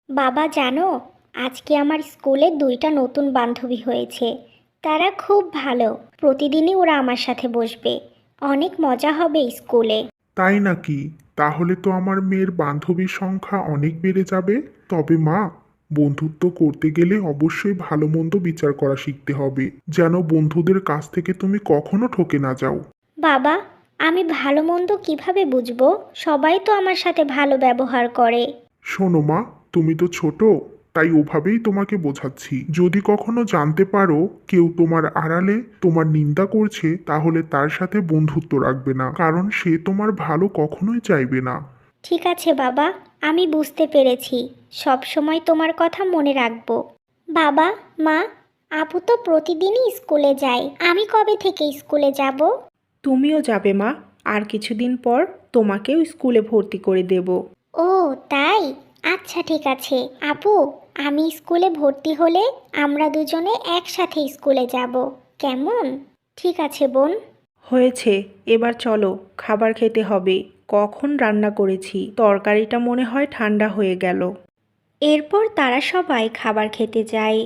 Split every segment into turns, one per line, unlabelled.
বাবা জানো, আজকে আমার স্কুলে দুইটা নতুন বান্ধবী হয়েছে। তারা খুব ভালো। প্রতিদিনই ওরা আমার সাথে বসবে। অনেক মজা হবে স্কুলে।
তাই নাকি? তাহলে তো আমার মেয়ের বান্ধবীর সংখ্যা অনেক বেড়ে যাবে। তবে মা, বন্ধুত্ব করতে গেলে অবশ্যই ভালো মন্দ বিচার করা শিখতে হবে, যেন বন্ধুদের কাছ থেকে তুমি কখনো ঠকে না যাও।
বাবা, আমি ভালো মন্দ কিভাবে বুঝবো? সবাই তো আমার সাথে ভালো ব্যবহার করে।
শোনো মা, তুমি তো ছোট, তাই ওভাবেই তোমাকে বোঝাচ্ছি। যদি কখনো জানতে পারো কেউ তোমার আড়ালে তোমার নিন্দা করছে, তাহলে তার সাথে বন্ধুত্ব রাখবে না, কারণ সে তোমার ভালো কখনোই চাইবে না।
ঠিক আছে বাবা, আমি বুঝতে পেরেছি। সব সময় তোমার কথা মনে রাখবো। বাবা, মা, আপু তো প্রতিদিনই স্কুলে যায়। আমি কবে থেকে স্কুলে যাব?
তুমিও যাবে মা। আর কিছুদিন পর তোমাকেও স্কুলে ভর্তি করে দেব।
ও, তাই? আচ্ছা ঠিক আছে আপু, আমি স্কুলে ভর্তি হলে আমরা দুজনে একসাথে স্কুলে যাব। কেমন? ঠিক আছে বোন।
হয়েছে, এবার চলো, খাবার খেতে হবে। কখন রান্না করেছি, তরকারিটা মনে হয় ঠান্ডা হয়ে গেল।
এরপর তারা সবাই খাবার খেতে যায়।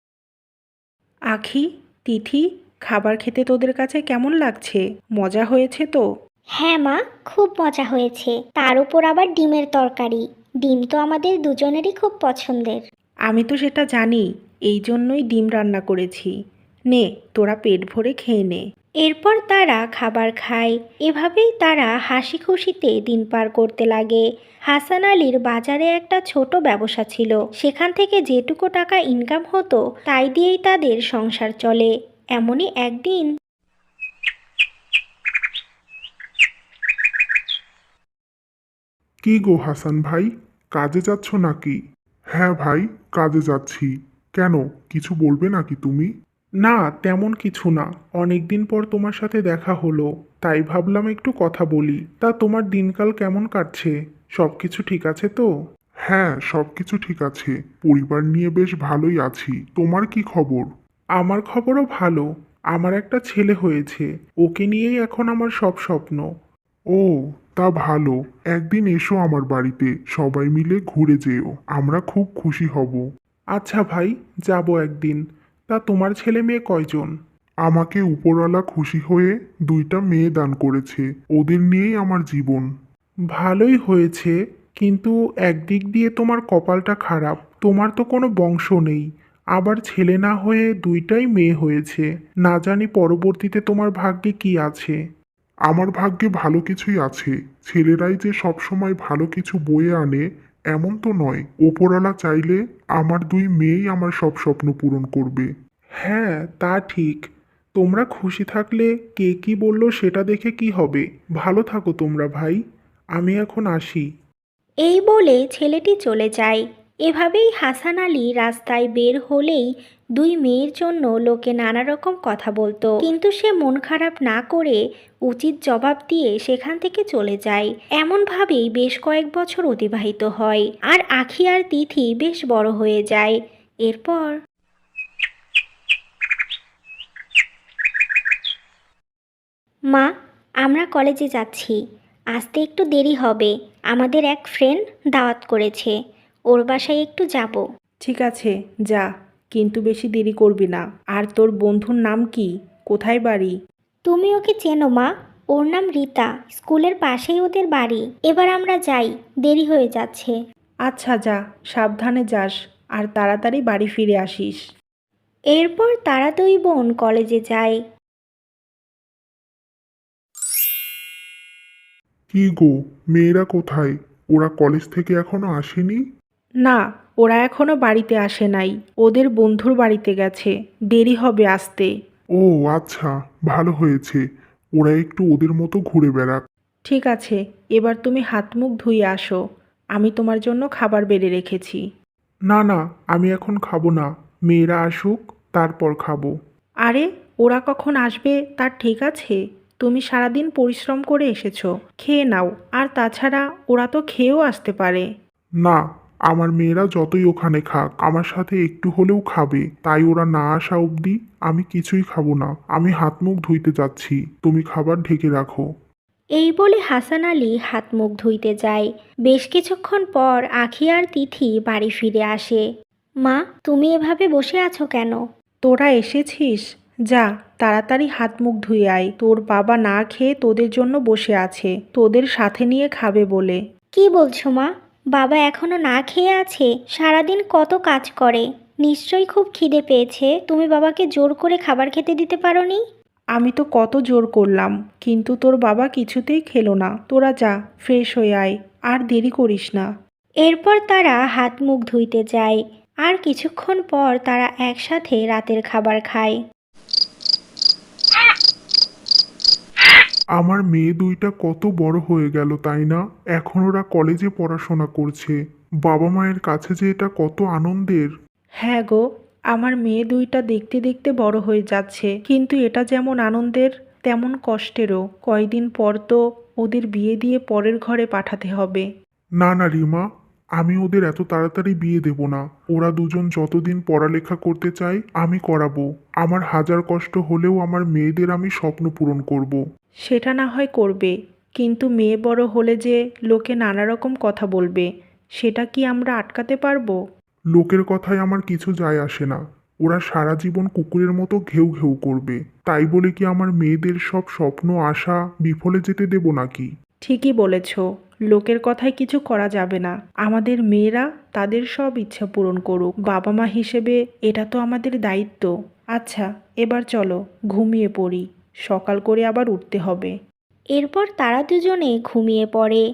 আখি, তিথি, খাবার খেতে তোদের কাছে কেমন লাগছে? মজা হয়েছে তো?
হ্যাঁ মা, খুব মজা হয়েছে। তার উপর আবার ডিমের তরকারি। ডিম তো আমাদের দুজনেরই খুব পছন্দের।
আমি তো সেটা জানি, এই জন্যই ডিম রান্না করেছি। নে, তোরা পেট ভরে খেয়ে নে।
এরপর তারা খাবার খায়। এভাবেই তারা হাসি খুশিতে দিন পার করতে লাগে। হাসান আলীর বাজারে একটা ছোট ব্যবসা ছিল। সেখান থেকে যেটুকু টাকা ইনকাম হতো তাই দিয়েই তাদের সংসার চলে। এমনই একদিন।
কি গো হাসান ভাই, কাজে যাচ্ছ নাকি? হ্যাঁ ভাই, কাজে যাচ্ছি। কেন, কিছু বলবে নাকি তুমি? না, তেমন কিছু না। অনেকদিন পর তোমার সাথে দেখা হলো, তাই ভাবলাম একটু কথা বলি। তা তোমার দিনকাল কেমন কাটছে? সবকিছু ঠিক আছে তো? হ্যাঁ, সবকিছু ঠিক আছে। পরিবার নিয়ে বেশ ভালোই আছি। তোমার কি খবর? আমার খবরও ভালো। আমার একটা ছেলে হয়েছে। ওকে নিয়েই এখন আমার সব স্বপ্ন। ও, তা ভালো। একদিন এসো আমার বাড়িতে, সবাই মিলে ঘুরে যেও। আমরা খুব খুশি হব। আচ্ছা ভাই, যাব একদিন। তা তোমার ছেলে মেয়ে কয়জন? আমাকে উপরওয়ালা খুশি হয়ে দুইটা মেয়ে দান করেছে। ওদের নিয়েই আমার জীবন। ভালোই হয়েছে, কিন্তু একদিক দিয়ে তোমার কপালটা খারাপ। তোমার তো কোনো বংশ নেই, আবার ছেলে না হয়ে দুইটাই মেয়ে হয়েছে। না জানি পরবর্তীতে তোমার ভাগ্যে কি আছে। আমার ভাগ্যে ভালো কিছুই আছে। ছেলেরাই যে সব সময় ভালো কিছু বয়ে আনে এমন তো নয়। ওপরওয়ালা চাইলে আমার দুই মেয়েই আমার সব স্বপ্ন পূরণ করবে। হ্যাঁ, তা ঠিক। তোমরা খুশি থাকলে কে কি বললো সেটা দেখে কি হবে। ভালো থাকো তোমরা ভাই। আমি এখন আসি।
এই বলে ছেলেটি চলে যায়। এভাবেই হাসান আলী রাস্তায় বের হলেই দুই মেয়ের জন্য লোকে নানা রকম কথা বলতো, কিন্তু সে মন খারাপ না করে উচিত জবাব দিয়ে সেখান থেকে চলে যায়। এমনভাবেই বেশ কয়েক বছর অতিবাহিত হয়, আর আখি আর তিথি বেশ বড় হয়ে যায়। এরপর। মা, আমরা কলেজে যাচ্ছি। আসতে একটু দেরি হবে। আমাদের এক ফ্রেন্ড দাওয়াত করেছে। ওর বাসায় একটু যাব।
ঠিক আছে, যা, কিন্তু বেশি দেরি করবি না। আর তোর বন্ধুর নাম কি? কোথায় বাড়ি?
তুমি ওকে চেনো মা? ওর নাম রীতা। স্কুলের পাশেই ওদের বাড়ি। এবার আমরা যাই, দেরি হয়ে যাচ্ছে।
আচ্ছা, যা, সাবধানে যাস। আর তাড়াতাড়ি বাড়ি ফিরে আসিস।
এরপর তারা দুই বোন কলেজে যায়।
কি গো, মেয়েরা কোথায়? ওরা কলেজ থেকে এখনো আসেনি?
না, ওরা এখনো বাড়িতে আসে নাই। ওদের বন্ধুর বাড়িতে গেছে। দেরি হবে আসতে।
ও আচ্ছা, ভালো হয়েছে। ওরা একটু ওদের মতো ঘুরে বেড়াক।
ঠিক আছে, এবার তুমি হাত মুখ ধুয়ে আসো। আমি তোমার জন্য খাবার বেড়ে রেখেছি।
না না, আমি এখন খাবো না। মেয়েরা আসুক, তারপর খাবো।
আরে, ওরা কখন আসবে তার ঠিক আছে? তুমি সারাদিন পরিশ্রম করে এসেছো, খেয়ে নাও। আর তাছাড়া ওরা তো খেয়েও আসতে পারে।
না, আমার মেয়েরা যতই ওখানে খাক, আমার সাথে একটু হলেও খাবে। তাই ওরা না আসা অবধি আমি কিছুই খাবো না। আমি হাত মুখ ধুইতে যাচ্ছি, তুমি খাবার ঢেকে রাখো।
এই বলে হাসান আলী হাত মুখ ধুইতে যায়। বেশ কিছুক্ষণ পর আখি আর তিথি বাড়ি ফিরে আসে। মা, তুমি এভাবে বসে আছো কেন?
তোরা এসেছিস? যা, তাড়াতাড়ি হাত মুখ ধুয়ে আয়। তোর বাবা না খেয়ে তোদের জন্য বসে আছে, তোদের সাথে নিয়ে খাবে বলে।
কি বলছো মা? বাবা এখনো না খেয়ে আছে? সারাদিন কত কাজ করে, নিশ্চয়ই খুব খিদে পেয়েছে। তুমি বাবাকে জোর করে খাবার খেতে দিতে পারোনি?
আমি তো কত জোর করলাম, কিন্তু তোর বাবা কিছুতেই খেলো না। তোরা যা, ফ্রেশ হয়ে আয়, আর দেরি করিস না।
এরপর তারা হাত মুখ ধুইতে যায়, আর কিছুক্ষণ পর তারা একসাথে রাতের খাবার খায়।
আমার মেয়ে দুইটা কত বড় হয়ে গেল, তাই না? এখন ওরা কলেজে পড়াশোনা করছে। বাবা মায়ের কাছে যে এটা কত আনন্দের।
হ্যাঁ গো, আমার মেয়ে দুইটা দেখতে দেখতে বড় হয়ে যাচ্ছে, কিন্তু এটা যেমন আনন্দের তেমন কষ্টেরও। কয়দিন পর তো ওদের বিয়ে দিয়ে পরের ঘরে পাঠাতে হবে।
না না রিমা, আমি ওদের এত তাড়াতাড়ি বিয়ে দেব না। ওরা দুজন যতদিন পড়ালেখা করতে চায় আমি করাবো। আমার হাজার কষ্ট হলেও আমার মেয়েদের আমি স্বপ্ন পূরণ করব।
সেটা না হয় করবে, কিন্তু মেয়ে বড় হলে যে লোকে নানা রকম কথা বলবে, সেটা কি আমরা আটকাতে পারবো?
লোকের কথায় আমার কিছু যায় আসে না। ওরা সারা জীবন কুকুরের মতো ঘেউ ঘেউ করবে। তাই বলে কি আমার মেয়েদের সব স্বপ্ন আশা বিফলে যেতে দেব নাকি?
ঠিকই বলেছ, লোকের কথায় কিছু করা যাবে না। আমাদের মেয়েরা তাদের সব ইচ্ছা পূরণ করুক। বাবা মা হিসেবে এটা তো আমাদের দায়িত্ব। আচ্ছা, এবার চলো ঘুমিয়ে পড়ি, সকাল করে আবার উঠতে হবে।
এরপর তারা দুজনে ঘুমিয়ে পড়ে।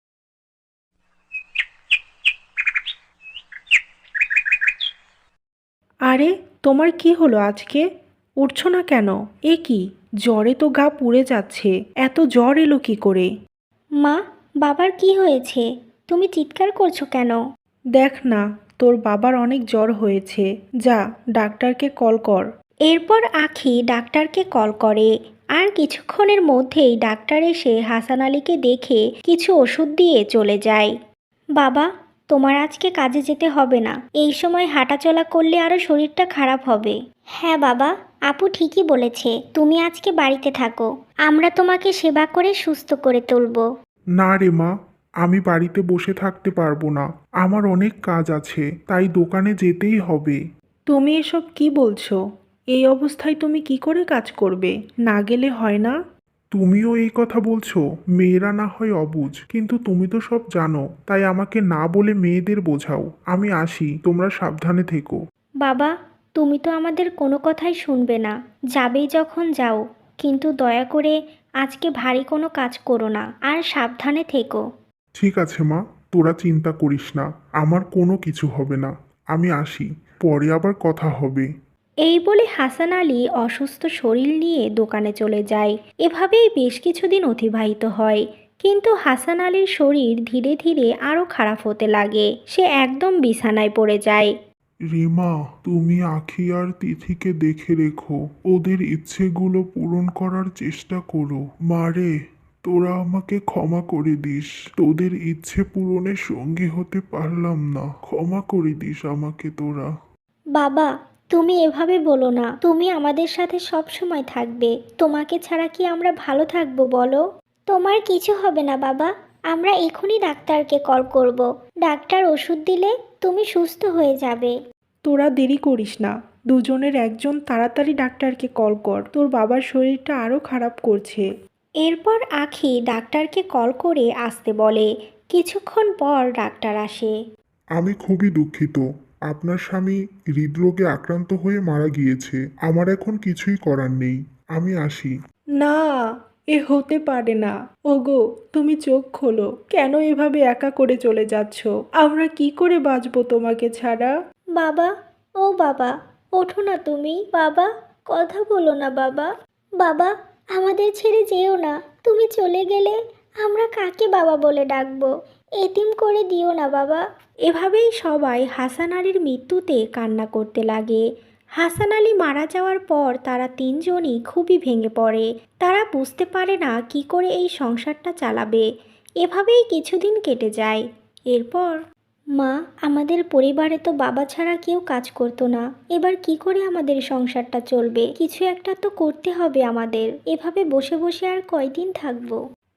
আরে, তোমার কি হলো আজকে? উঠছো না কেন? এ কি, জ্বরে তো গা পুড়ে যাচ্ছে। এত জ্বর এলো কি করে?
মা, বাবার কি হয়েছে? তুমি চিৎকার করছো কেন?
দেখ না, তোর বাবার অনেক জ্বর হয়েছে। যা, ডাক্তারকে কল কর।
এরপর আখি ডাক্তারকে কল করে, আর কিছুক্ষণের মধ্যেই ডাক্তার এসে হাসান আলীকে দেখে কিছু ওষুধ দিয়ে চলে যায়। বাবা, তোমার আজকে কাজে যেতে হবে না। এই সময় হাঁটাচলা করলে আরও শরীরটা খারাপ হবে। হ্যাঁ বাবা, আপু ঠিকই বলেছে। তুমি আজকে বাড়িতে থাকো, আমরা তোমাকে সেবা করে সুস্থ করে তুলব।
না রে মা, আমি বাড়িতে বসে থাকতে পারবো না। আমার অনেক কাজ আছে, তাই দোকানে যেতেই হবে।
তুমি এসব কি বলছো? এই অবস্থায় তুমি কি করে কাজ করবে? না গেলে হয় না?
তুমিও এই কথা বলছো? মেয়েরা না হয় অবুঝ, কিন্তু তুমি তো সব জানো। তাই আমাকে না বলে মেয়েদের বোঝাও। আমি আসি, তোমরা সাবধানে থেকো।
বাবা, তুমি তো আমাদের কোনো কথাই শুনবে না। যাবেই যখন যাও, কিন্তু দয়া করে আজকে ভারী কোনো কাজ করো না, আর সাবধানে থেকো।
ঠিক আছে মা, তোরা চিন্তা করিস না। আমার কোনো কিছু হবে না। আমি আসি, পরে আবার কথা হবে।
এই বলে হাসান আলী অসুস্থ শরীর নিয়ে দোকানে চলে যায়। এভাবেই বেশ কিছুদিন অতিবাহিত হয়, কিন্তু হাসান আলীর শরীর ধীরে ধীরে আরও খারাপ হতে লাগে। সে একদম বিছানায় পড়ে যায়।
রিমা, তুমি আখি আর তিথিকে দেখে রেখো। ওদের ইচ্ছেগুলো পূরণ করার চেষ্টা করো। মারে, তোরা আমাকে ক্ষমা করে দিস। তোদের ইচ্ছে পূরণের সঙ্গী হতে পারলাম না। ক্ষমা করে দিস আমাকে তোরা।
বাবা, তুমি এভাবে বলো না। তুমি আমাদের সাথে সব সময় থাকবে। তোমাকে ছাড়া কি আমরা ভালো থাকবো বলো? তোমার কিছু হবে না বাবা। আমরা এখনই ডাক্তারকে কল করব। ডাক্তার ওষুধ দিলে তুমি সুস্থ হয়ে যাবে।
তোরা দেরি করিস না, দুজনের একজন তাড়াতাড়ি ডাক্তারকে কল কর। তোর বাবার শরীরটা আরও খারাপ করছে।
এরপর আখি ডাক্তারকে কল করে আসতে বলে। কিছুক্ষণ পর ডাক্তার আসে।
আমি খুবই দুঃখিত। আপনার স্বামী হৃদরোগে আক্রান্ত হয়ে মারা গিয়েছে। আমার এখন কিছুই করার নেই। আমি আসি।
না, এ হতে পারে না। ওগো, তুমি চোখ খোলো। কেন এভাবে একা করে চলে যাচ্ছ? আমরা কি করে বাঁচবো তোমাকে ছাড়া?
বাবা, ও বাবা, ওঠো না তুমি। বাবা, কথা বলো না বাবা। বাবা, আমাদের ছেড়ে যেও না। তুমি চলে গেলে আমরা কাকে বাবা বলে ডাকবো? এতিম করে দিও না বাবা। এভাবেই সবাই হাসান আলীর মৃত্যুতে কান্না করতে লাগে। হাসান আলী মারা যাওয়ার পর তারা তিনজনই খুবই ভেঙে পড়ে। তারা বুঝতে পারে না কি করে এই সংসারটা চালাবে। এভাবেই কিছুদিন কেটে যায়। এরপর মা, আমাদের পরিবারে তো বাবা ছাড়া কেউ কাজ করতো না। এবার কি করে আমাদের সংসারটা চলবে? কিছু একটা তো করতে হবে আমাদের। এভাবে বসে বসে আর কয়দিন থাকবো?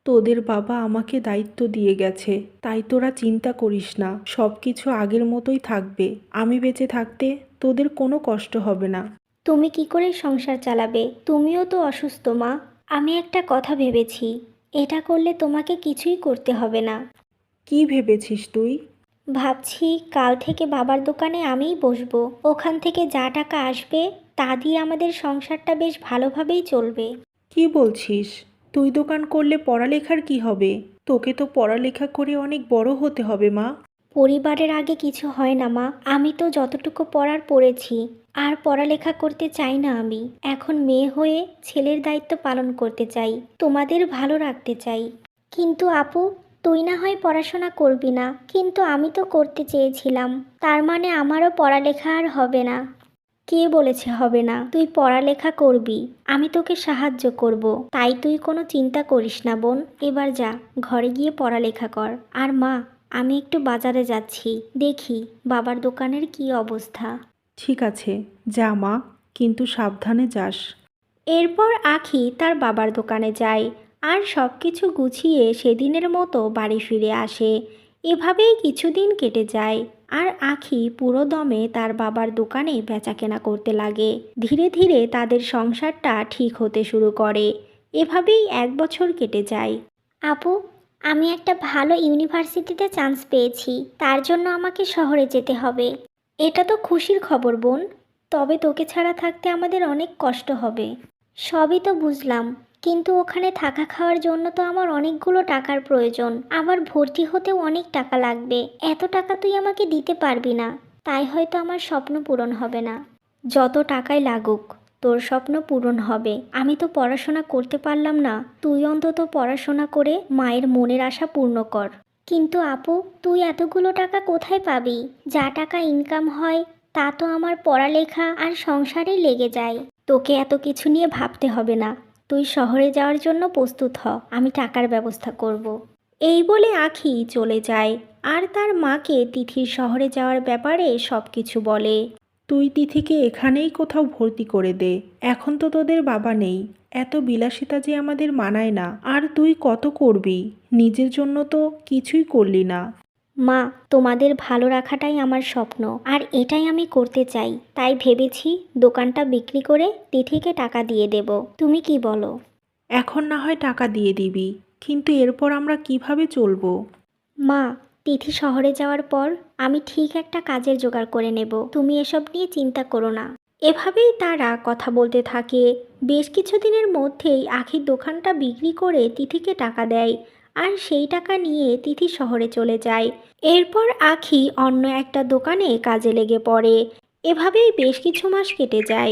তোদের বাবা আমাকে দায়িত্ব দিয়ে গেছে, তাই তোরা চিন্তা করিস না, সব কিছু আগের মতোই থাকবে। আমি বেঁচে থাকতে তোদের কোনো কষ্ট হবে না।
তুমি কি করে সংসার চালাবে? তুমিও তো অসুস্থ মা। আমি একটা কথা ভেবেছি, এটা করলে তোমাকে কিছুই করতে হবে না।
কি ভেবেছিস তুই?
ভাবছি কাল থেকে বাবার দোকানে আমিই বসবো। ওখান থেকে যা টাকা আসবে তা দিয়ে আমাদের সংসারটা বেশ ভালোভাবেই চলবে।
কি বলছিস? তুই দোকান করলে পড়ালেখার কি হবে? তোকে তো পড়ালেখা করে অনেক বড় হতে হবে মা।
পরিবারের আগে কিছু হয় না মা। আমি তো যতটুকু পড়ার পড়েছি, আর পড়ালেখা করতে চাই না আমি। এখন মেয়ে হয়ে ছেলের দায়িত্ব পালন করতে চাই, তোমাদের ভালো রাখতে চাই। কিন্তু আপু, তুই না হয় পড়াশোনা করবি না, কিন্তু আমি তো করতে চেয়েছিলাম। তার মানে আমারও পড়ালেখা আর হবে না? কে বলেছে হবে না? তুই পড়ালেখা করবি, আমি তোকে সাহায্য করব। তাই তুই কোনো চিন্তা করিস না বোন। এবার যা, ঘরে গিয়ে পড়ালেখা কর। আর মা, আমি একটু বাজারে যাচ্ছি, দেখি বাবার দোকানের কি অবস্থা।
ঠিক আছে, যা মা, কিন্তু সাবধানে যাস।
এরপর আখি তার বাবার দোকানে যায় আর সব কিছু গুছিয়ে সেদিনের মতো বাড়ি ফিরে আসে। এভাবেই কিছুদিন কেটে যায় আর আখি পুরো দমে তার বাবার দোকানে বেচাকেনা করতে লাগে। ধীরে ধীরে তাদের সংসারটা ঠিক হতে শুরু করে। এভাবেই 1 বছর কেটে যায়। আপু, আমি একটা ভালো ইউনিভার্সিটিতে চান্স পেয়েছি, তার জন্য আমাকে শহরে যেতে হবে। এটা তো খুশির খবর বোন, তবে তোকে ছাড়া থাকতে আমাদের অনেক কষ্ট হবে। সবই তো বুঝলাম, কিন্তু ওখানে থাকা খাওয়ার জন্য তো আমার অনেকগুলো টাকার প্রয়োজন। আবার ভর্তি হতেও অনেক টাকা লাগবে। এত টাকা তুই আমাকে দিতে পারবি না, তাই হয়তো আমার স্বপ্ন পূরণ হবে না। যত টাকাই লাগুক, তোর স্বপ্ন পূরণ হবে। আমি তো পড়াশোনা করতে পারলাম না, তুই অন্তত পড়াশোনা করে মায়ের মনের আশা পূর্ণ কর। কিন্তু আপু, তুই এতগুলো টাকা কোথায় পাবি? যা টাকা ইনকাম হয় তা তো আমার পড়ালেখা আর সংসারেই লেগে যায়। তোকে এত কিছু নিয়ে ভাবতে হবে না, তুই শহরে যাওয়ার জন্য প্রস্তুত হ, আমি টাকার ব্যবস্থা করব। এই বলে আখি চলে যায় আর তার মাকে তিথির শহরে যাওয়ার ব্যাপারে সব কিছু বলে।
তুই তিথিকে এখানেই কোথাও ভর্তি করে দে। এখন তো তোদের বাবা নেই, এত বিলাসিতা যে আমাদের মানায় না। আর তুই কত করবি? নিজের জন্য তো কিছুই করলি না।
মা, তোমাদের ভালো রাখাটাই আমার স্বপ্ন, আর এটাই আমি করতে চাই। তাই ভেবেছি দোকানটা বিক্রি করে তিথিকে টাকা দিয়ে দেব। তুমি কি বলো?
এখন না হয় টাকা দিয়ে দিবি, কিন্তু এরপর আমরা কিভাবে চলবো?
মা, তিথি শহরে যাওয়ার পর আমি ঠিক একটা কাজের জোগাড় করে নেব, তুমি এসব নিয়ে চিন্তা করো না। এভাবেই তারা কথা বলতে থাকে। বেশ কিছুদিনের মধ্যেই আখির দোকানটা বিক্রি করে তিথিকে টাকা দেয় আর সেই টাকা নিয়ে তিথি শহরে চলে যায়। এরপর আখি অন্য একটা দোকানে কাজে লেগে পড়ে। এভাবেই বেশ কিছু মাস কেটে যায়।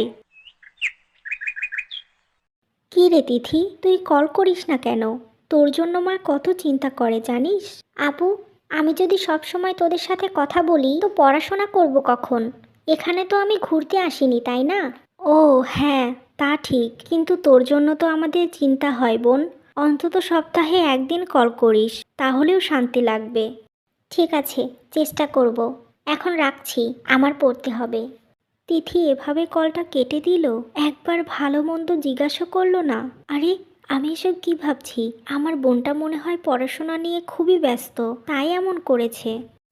কী রে তিথি, তুই কল করিস না কেন? তোর জন্য মা কত চিন্তা করে জানিস? আপু, আমি যদি সব সময় তোদের সাথে কথা বলি তো পড়াশোনা করব কখন? এখানে তো আমি ঘুরতে আসিনি, তাই না? ও হ্যাঁ, তা ঠিক, কিন্তু তোর জন্য তো আমাদের চিন্তা হয় বোন। অন্তত সপ্তাহে একদিন কল করিস, তাহলেও শান্তি লাগবে। ঠিক আছে, চেষ্টা করব। এখন রাখছি, আমার পড়তে হবে। তিথি এভাবে কলটা কেটে দিল, একবার ভালো মন্দ জিজ্ঞাসা করলো না। আরে, আমি এসব কি ভাবছি? আমার বোনটা মনে হয় পড়াশোনা নিয়ে খুবই ব্যস্ত, তাই এমন করেছে।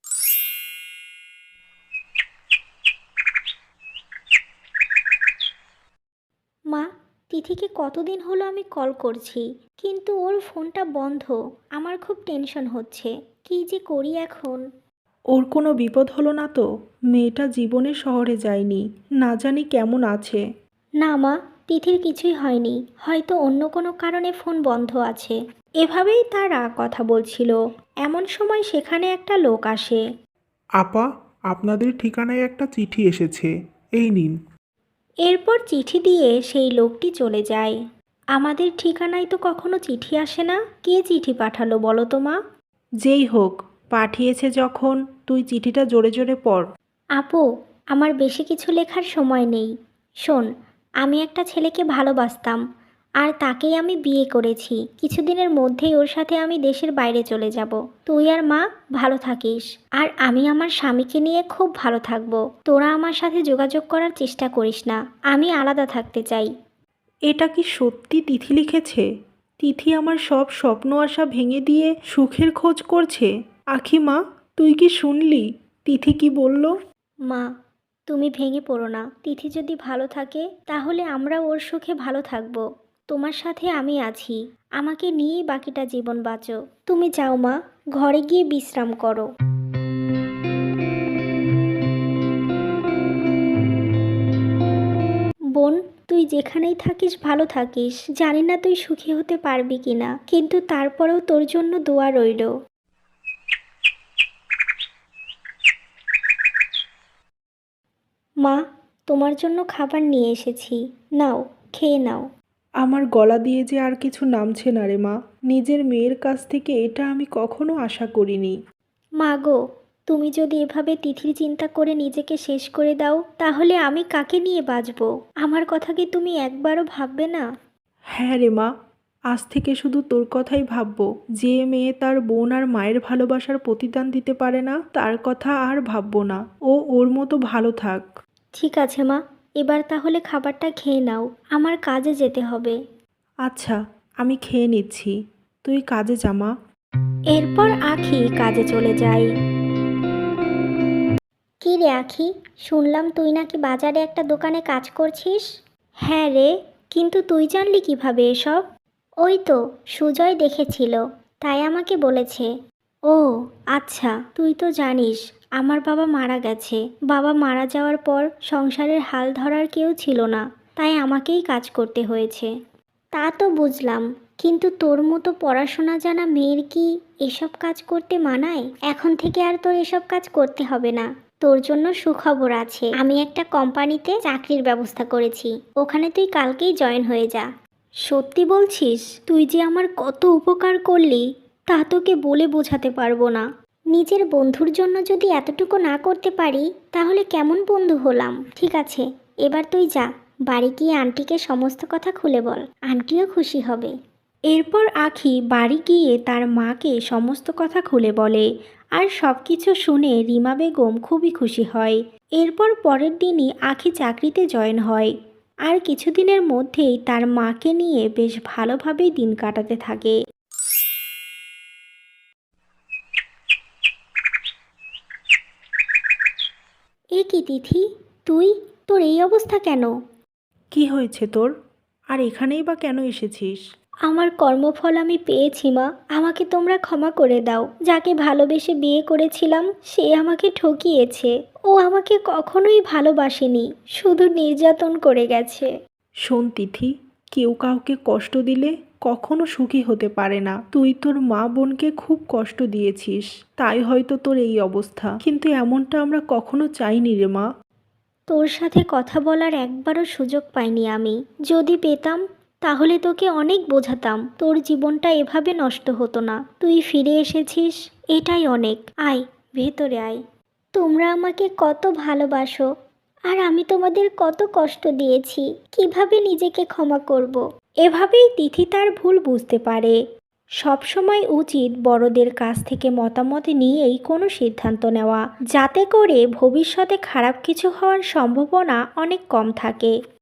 মা, তিথিকে কতদিন হলো আমি কল করছি, কিন্তু ওর ফোনটা বন্ধ। আমার খুব টেনশন হচ্ছে, কি যে করি এখন।
ওর কোনো বিপদ হলো না তো? মেয়েটা জীবনে শহরে যায়নি, না জানি কেমন আছে।
না মা, তিথির কিছুই হয়নি, হয়তো অন্য কোনো কারণে ফোন বন্ধ আছে। এভাবেই তারা কথা বলছিল। এমন সময় সেখানে একটা লোক আসে।
আপা, আপনাদের ঠিকানায় একটা চিঠি এসেছে, এই নিন।
এরপর চিঠি দিয়ে সেই লোকটি চলে যায়। আমাদের ঠিকানায় তো কখনো চিঠি আসে না, কে চিঠি পাঠালো বলো তো মা?
যেই হোক, পাঠিয়েছে যখন, তুই চিঠিটা জোরে জোরে পড়।
আপু, আমার বেশি কিছু লেখার সময় নেই। শোন, আমি একটা ছেলেকে ভালোবাসতাম, আর তাকেই আমি বিয়ে করেছি। কিছুদিনের মধ্যেই ওর সাথে আমি দেশের বাইরে চলে যাব। তুই আর মা ভালো থাকিস, আর আমি আমার স্বামীকে নিয়ে খুব ভালো থাকবো। তোরা আমার সাথে যোগাযোগ করার চেষ্টা করিস না, আমি আলাদা থাকতে চাই।
এটা কি সত্যি তিথি লিখেছে? তিথি আমার সব স্বপ্ন আশা ভেঙে দিয়ে সুখের খোঁজ করছে। আখি মা, তুই কি শুনলি তিথি কি বলল?
মা, তুমি ভেঙে পড়ো না। তিথি যদি ভালো থাকে তাহলে আমরা ওর সুখে ভালো থাকবো। তোমার সাথে আমি আছি। আমাকে নিয়েই বাকিটা জীবন বাঁচো। তুমি যাও মা, ঘরে গিয়ে বিশ্রাম করো। বোন, তুই যেখানেই থাকিস ভালো থাকিস। জানি না তুই সুখী হতে পারবি কিনা, কিন্তু তারপরেও তোর জন্য দোয়া রইল। মা, তোমার জন্য খাবার নিয়ে এসেছি। নাও, খেয়ে নাও।
আমার গলা দিয়ে যে আর কিছু নামছে না রে মা। নিজের মেয়ের কাছ থেকে এটা আমি কখনো আশা করিনি।
মা গো, তুমি যদি এভাবে তিথির চিন্তা করে নিজেকে শেষ করে দাও তাহলে আমি কাকে নিয়ে বাঁচবো? আমার কথা কি তুমি একবারও ভাববে না?
হ্যাঁ রে মা, আজ থেকে শুধু তোর কথাই ভাববো। যে মেয়ে তার বোন আর মায়ের ভালোবাসার প্রতিদান দিতে পারে না, তার কথা আর ভাববো না। ও ওর মতো ভালো থাক।
ঠিক আছে মা, এবার তাহলে খাবারটা খেয়ে নাও। আমার কাজে যেতে হবে।
আচ্ছা, আমি খেয়ে নিচ্ছি, তুই কাজে যা মা।
এরপর আখি কাজে চলে যায়। কি রে আখি, শুনলাম তুই নাকি বাজারে একটা দোকানে কাজ করছিস? হ্যাঁ রে, কিন্তু তুই জানলি কিভাবে এসব? ওই তো সুজয় দেখেছিল, তাই আমাকে বলেছে। ও আচ্ছা, তুই তো জানিস আমার বাবা মারা গেছে। বাবা মারা যাওয়ার পর সংসারের হাল ধরার কেউ ছিল না, তাই আমাকেই কাজ করতে হয়েছে। তা তো বুঝলাম, কিন্তু তোর মতো পড়াশোনা জানা মেয়ের কি এসব কাজ করতে মানায়? এখন থেকে আর তোর এসব কাজ করতে হবে না। তোর জন্য সুখবর আছে, আমি একটা কোম্পানিতে চাকরির ব্যবস্থা করেছি। ওখানে তুই কালকেই জয়েন হয়ে যা। সত্যি বলছিস? তুই যে আমার কত উপকার করলি তা তোকে বলে বোঝাতে পারবো না। নিজের বন্ধুর জন্য যদি এতটুকু না করতে পারি তাহলে কেমন বন্ধু হলাম? ঠিক আছে, এবার তুই যা, বাড়ি গিয়ে আন্টিকে সমস্ত কথা খুলে বল। আন্টিও খুশি হবে। এরপর আখি বাড়ি গিয়ে তার মাকে সমস্ত কথা খুলে বলে, আর সব কিছু শুনে রিমা বেগম খুবই খুশি হয়। এরপর পরের দিনই আখি চাকরিতে জয়েন হয়, আর কিছুদিনের মধ্যেই তার মাকে নিয়ে বেশ ভালোভাবেই দিন কাটাতে থাকে। এ কি তিথি, তোর এই অবস্থা কেন?
কি হয়েছে তোর? আর এখানেই বা কেন এসেছিস?
আমার কর্মফল আমি পেয়েছি মা, আমাকে তোমরা ক্ষমা করে দাও। যাকে ভালোবেসে বিয়ে করেছিলাম সে আমাকে ঠকিয়েছে। ও আমাকে কখনোই ভালোবাসেনি, শুধু নির্যাতন করে গেছে।
শোন তিথি, কেউ কাউকে কষ্ট দিলে কখনো সুখী হতে পারে না। তুই তোর মা বোনকে খুব কষ্ট দিয়েছিস, তাই হয়তো তোর এই অবস্থা, কিন্তু এমনটা আমরা কখনো চাইনি রে মা।
তোর সাথে কথা বলার একবারও সুযোগ পাইনি আমি। যদি পেতাম তাহলে তোকে অনেক বোঝাতাম। তোর জীবনটা এভাবে নষ্ট হতো না। তুই ফিরে এসেছিস, এটাই অনেক। আয়, ভেতরে আয়। তোমরা আমাকে কত ভালোবাসো, আর আমি তোমাদের কত কষ্ট দিয়েছি। কিভাবে নিজেকে ক্ষমা করব? এভাবেই তিথি তার ভুল বুঝতে পারে। সবসময় উচিত বড়দের কাছ থেকে মতামত নিয়েই কোনো সিদ্ধান্ত নেওয়া, যাতে করে ভবিষ্যতে খারাপ কিছু হওয়ার সম্ভাবনা অনেক কম থাকে।